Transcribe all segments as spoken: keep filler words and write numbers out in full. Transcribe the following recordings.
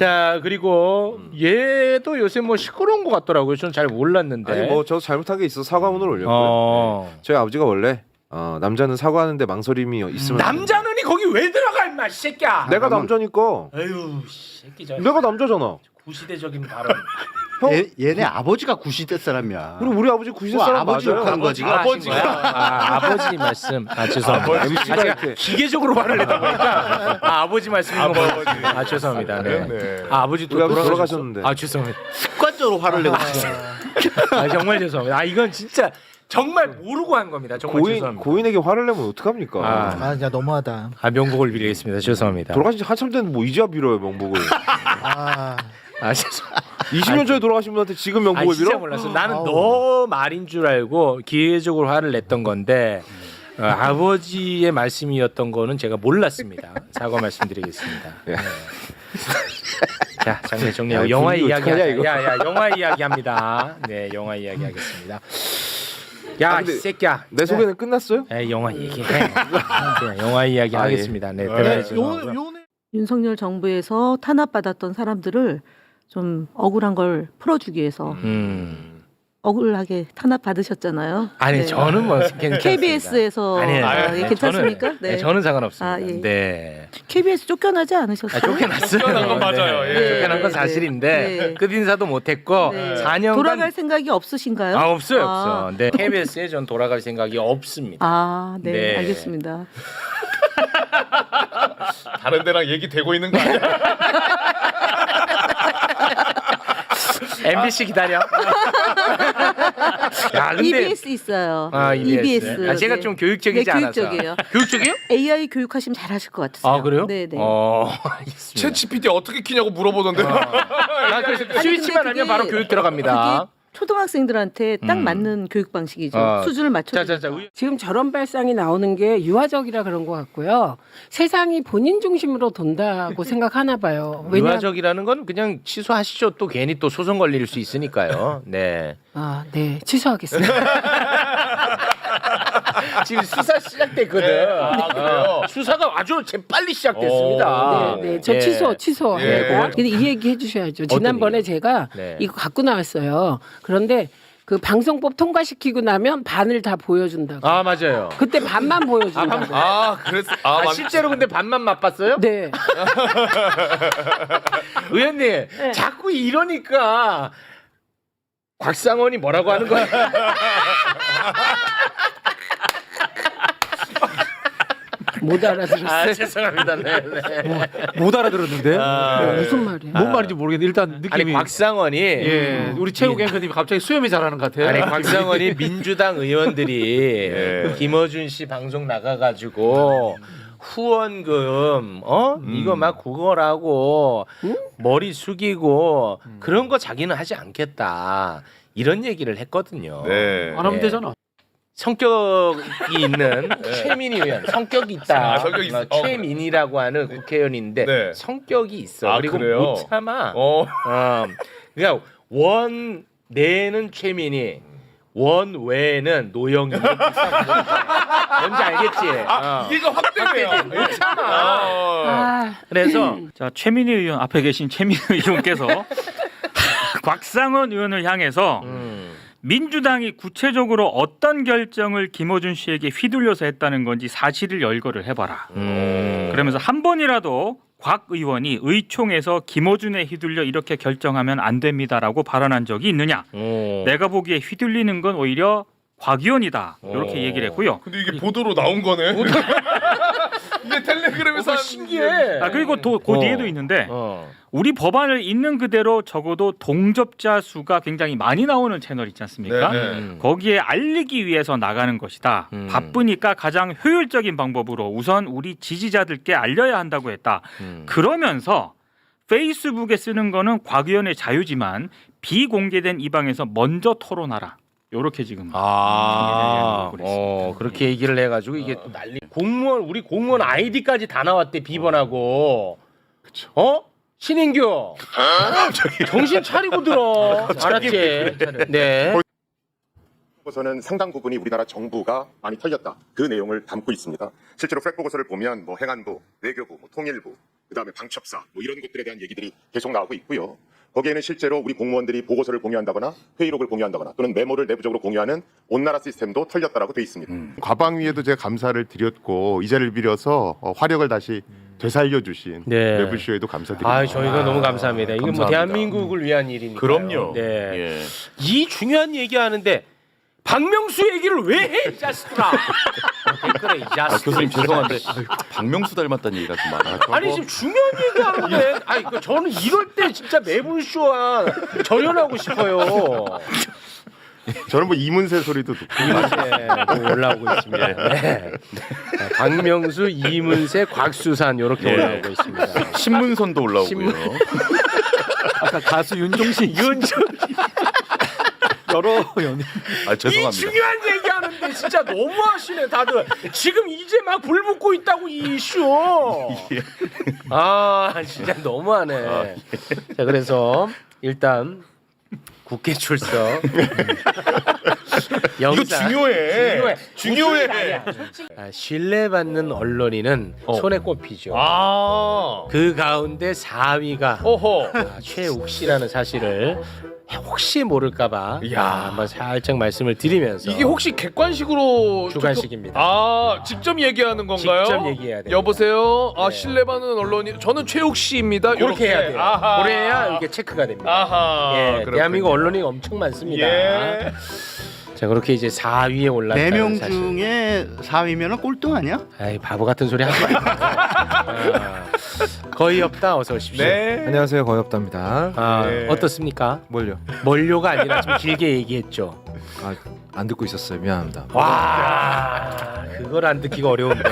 자 그리고 음. 얘도 요새 뭐 시끄러운 것 같더라고요. 저는 잘 몰랐는데. 아니 뭐 저도 잘못한 게 있어 사과문을 올렸고요. 어. 네. 저희 아버지가 원래 어, 남자는 사과하는데 망설임이 있으면 남자는이 거기 왜 들어가 임마 이 새끼야. 내가 남자니까. 아유 새끼 저 내가 남자잖아. 구시대적인 발언. 형? 얘, 얘네 아버지가 구시대 사람이야. 우리 우리 아버지 구십 뭐 사람 아버지 맞아요. 욕하는 거지. 아버지가 아, 아버지 말씀. 아 죄송합니다. 엠씨가 아, 제가 이렇게 기계적으로 말을 내다 보니까 아, 아버지 말씀인 거 아버지. 아 죄송합니다. 네. 네. 아 아버지 또 우리 아버지 돌아가셨... 돌아가셨는데. 아 죄송합니다. 습관적으로 화를 내고 있어. 아 정말 죄송합니다. 아 이건 진짜 정말 모르고 한 겁니다. 정말 고인 죄송합니다. 고인에게 화를 내면 어떡합니까? 아. 아 진짜 너무하다. 아 명복을 빌리겠습니다. 죄송합니다. 돌아가신 지 한참 됐는데 뭐 이제야 빌어요 명복을. 아 아 죄송. 이십 년 전에 돌아가신 분한테 지금 아 명복을 진짜 빌어? 몰랐어. 나는 아우. 너 말인 줄 알고 기회적으로 화를 냈던 건데 어, 아버지의 말씀이었던 거는 제가 몰랐습니다. 사과 말씀드리겠습니다. 예. 네. 자 장면 정리하고 야, 영화 분위기 이야기 어떡하냐, 하자. 이거. 야야 영화 이야기 합니다. 네 영화 이야기 하겠습니다. 야 아, 이 근데 새끼야. 내 소개는 끝났어요? 에 영화 얘기해. 그냥 영화 이야기 아, 예. 하겠습니다. 네. 네, 대단히 요 죄송하고요. 요네 윤석열 정부에서 탄압받았던 사람들을 좀 억울한 걸 풀어주기 위해서 음. 억울하게 탄압받으셨잖아요. 아니 네. 저는 뭐 괜찮습니다. 케이비에스에서 아니에요. 아, 네, 예, 괜찮습니까? 저는, 네. 네. 저는 상관없습니다. 아, 예. 네. 케이비에스 쫓겨나지 않으셨어요? 아, 쫓겨났어요. 쫓겨난 건 맞아요. 예. 네. 쫓겨난 건 네, 사실인데 네. 끝 인사도 못했고 네. 사 년간 돌아갈 생각이 없으신가요? 아 없어요 아. 없어. 네. 케이비에스에 전 돌아갈 생각이 없습니다. 아, 네, 네. 알겠습니다. 다른 데랑 얘기 되고 있는 거 아니야? 엠비씨 기다려. 야, 근데 이비에스 있어요. 아, 이비에스. 아, 제가 네. 좀 교육적이지 네, 않아서. 교육적이에요. 교육적이요? 에이아이 교육하시면 잘하실 것 같으세요. 아 그래요? 네, 네. 어, 알겠습니다. 챗 지피티 어떻게 키냐고 물어보던데. 나 그래서 아니, 스위치만 근데 하면 바로 그게- 교육 들어갑니다. 그게 초등학생들한테 딱 음. 맞는 교육 방식이죠. 어. 수준을 맞춰. 자자자. 의- 지금 저런 발상이 나오는 게 유화적이라 그런 것 같고요. 세상이 본인 중심으로 돈다고 생각하나 봐요. 왜냐? 유화적이라는 건 그냥 취소하시죠. 또 괜히 또 소송 걸릴 수 있으니까요. 네. 아, 네, 취소하겠습니다. 지금 수사 시작됐거든. 네. 아, 그래요? 어, 수사가 아주 재빨리 시작됐습니다. 오. 네, 네, 저 예. 취소, 취소. 예. 네, 근데 이 얘기 해주셔야죠. 지난번에 얘기요? 제가 네. 이거 갖고 나왔어요. 그런데 그 방송법 통과시키고 나면 반을 다 보여준다고. 아 맞아요. 그때 반만 보여준다고. 아, 그랬어. 아, 아, 맞- 실제로 근데 반만 맛봤어요? 네. 의원님 자꾸 이러니까 곽상원이 뭐라고 하는 거야? 못 알아들었어요. 아 죄송합니다. 네, 네. 못 알아들었는데 아, 무슨 말이야? 뭔 말인지 모르겠는데 일단 아니 느낌이 곽상원이 예 우리 최욱 앵커님이 갑자기 수염이 자라는 것 같아요. 아니 곽상원이 민주당 의원들이 예. 김어준 씨 방송 나가가지고 후원금 어 음. 이거 막 그거라고 머리 숙이고 그런 거 자기는 하지 않겠다 이런 얘기를 했거든요. 네. 안 하면 예. 되잖아. 성격이 있는 최민희 의원 성격이 있다. 아, 성격이 있어. 어, 최민희라고 하는 국회의원인데 네. 성격이 있어. 아, 그리고 그래요? 못 참아. 어. 어, 그러니까 원 내는 최민희, 원 외에는 노영이. 이렇게 딱 뭔지 알겠지? 아, 어. 이해가 확 되네요. 못 참아. 아, 그래서 자 최민희 의원 앞에 계신 최민희 의원께서 곽상원 의원을 향해서 음. 민주당이 구체적으로 어떤 결정을 김어준 씨에게 휘둘려서 했다는 건지 사실을 열거를 해봐라. 음. 그러면서 한 번이라도 곽 의원이 의총에서 김어준에 휘둘려 이렇게 결정하면 안 됩니다라고 발언한 적이 있느냐? 음. 내가 보기에 휘둘리는 건 오히려 곽 의원이다. 이렇게 오. 얘기를 했고요. 근데 이게 보도로 나온 거네. 이게 텔레그램에서 어, 한- 신기해. 아 그리고 또 그 어. 뒤에도 있는데 어. 우리 법안을 있는 그대로 적어도 동접자 수가 굉장히 많이 나오는 채널 있지 않습니까? 네, 네. 음. 거기에 알리기 위해서 나가는 것이다. 음. 바쁘니까 가장 효율적인 방법으로 우선 우리 지지자들께 알려야 한다고 했다. 음. 그러면서 페이스북에 쓰는 거는 곽 의원의 자유지만 비공개된 이 방에서 먼저 토론하라. 요렇게 지금 아, 네, 어, 그렇게 얘기를 해가지고 이게 또 난리. 공무원 우리 공무원 아이디까지 다 나왔대 비번하고. 어? 신인규. 정신 차리고 들어. 알았지? 네. 보고서는 상당 부분이 우리나라 정부가 많이 털렸다. 그 내용을 담고 있습니다. 실제로 프랙 보고서를 보면 뭐 행안부, 외교부, 뭐 통일부, 그다음에 방첩사 뭐 이런 것들에 대한 얘기들이 계속 나오고 있고요. 거기에는 실제로 우리 공무원들이 보고서를 공유한다거나 회의록을 공유한다거나 또는 메모를 내부적으로 공유하는 온나라 시스템도 털렸다라고 돼 있습니다. 음. 과방위에도 제가 감사를 드렸고 이 자리를 빌어서 어, 화력을 다시 되살려 주신 네. 매불쇼에도 감사드립니다. 아, 저희가 너무 감사합니다. 이건 뭐 감사합니다. 대한민국을 위한 일이니까. 그럼요. 네. 예. 이 중요한 얘기하는데 박명수 얘기를 왜 해, 이 자식들아. 댓글에 이 아, 자식들. 교수님 죄송한데 박명수 닮았다는 얘기가 좀 많아요. 아니 지금 중요한 얘기하는데, 아니 그 저는 이럴 때 진짜 매불쇼와 절연하고 싶어요. 저는 뭐 이문세 소리도 듣고 네, 뭐 올라오고 있습니다. 네. 박명수, 이문세, 곽수산 이렇게 예. 올라오고 있습니다. 신문선도 올라오고요. 신문- 아까 가수 윤종신 윤정 여러 연예. 아 이 죄송합니다. 중요한 얘기하는데 진짜 너무하시네 다들. 지금 이제 막 불 붙고 있다고 이 이슈. 아 진짜 너무하네. 자 그래서 일단 국회 출석. 이거 중요해. 중요해. 중요해. 무슨 말이야. 아, 신뢰받는 언론인은 손에 꼽히죠. 아. 그 가운데 사 위가 어허. 아, 최욱 씨라는 사실을 혹시 모를까봐 야. 아, 한번 살짝 말씀을 드리면서 이게 혹시 객관식으로 주관식입니다. 아 직접 얘기하는 건가요? 직접 얘기해야 됩니다. 여보세요. 아 네. 신뢰받는 언론이 저는 최욱 씨입니다. 그렇게 해야 돼요. 아하. 그래야 이게 체크가 됩니다. 아하. 예, 그렇군요. 대한민국 언론이 엄청 많습니다. 예. 자 그렇게 이제 사 위에 올랐다는 네 명 사실. 중에 사 위면은 꼴등 아니야? 아이 바보 같은 소리 하지 마요. 아, 거의 없다. 어서 오십시오. 네. 안녕하세요, 거엽답니다. 아, 네. 어떻습니까? 뭘요? 멀료가 아니라 좀 길게 얘기했죠. 아, 안 듣고 있었어요. 미안합니다. 와, 그걸 안 듣기가 어려운데.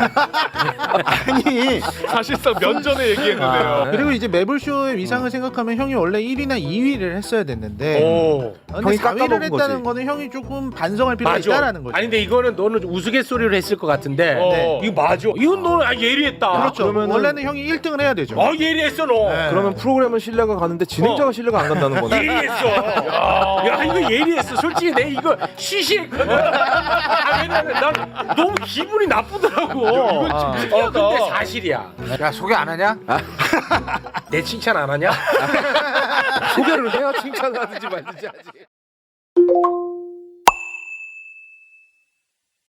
아니 사실상 면전에 얘기했는데요. 아, 그리고 이제 매불쇼의 위상을 생각하면 형이 원래 일 위나 이 위를 했어야 됐는데 오. 아, 근데 형이 사 위를 깎아먹은 했다는 거지. 거는 형이 조금 반성할 필요가 있다라는 거죠. 아니 근데 이거는 너는 우스갯소리를 했을 것 같은데 어. 이거 맞아. 이건 너는 아, 예리했다. 그렇죠. 그러면은- 원래는 형이 일 등을 해야 되죠. 어 예리했어 너. 네. 그러면 프로그램은 신뢰가 가는데 진행자가 신뢰가 안 간다는 거네. 예리했어. 야 이거 예리했어. 솔직히 내 이거 시시했거든. 아, 왜냐면 난 너무 기분이 나쁘더라고. 이건 좀 어 근데 사실이야. 야 소개 안 하냐? 내 칭찬 안 하냐? 소개를 해야 칭찬을 하든지 말든지 하지.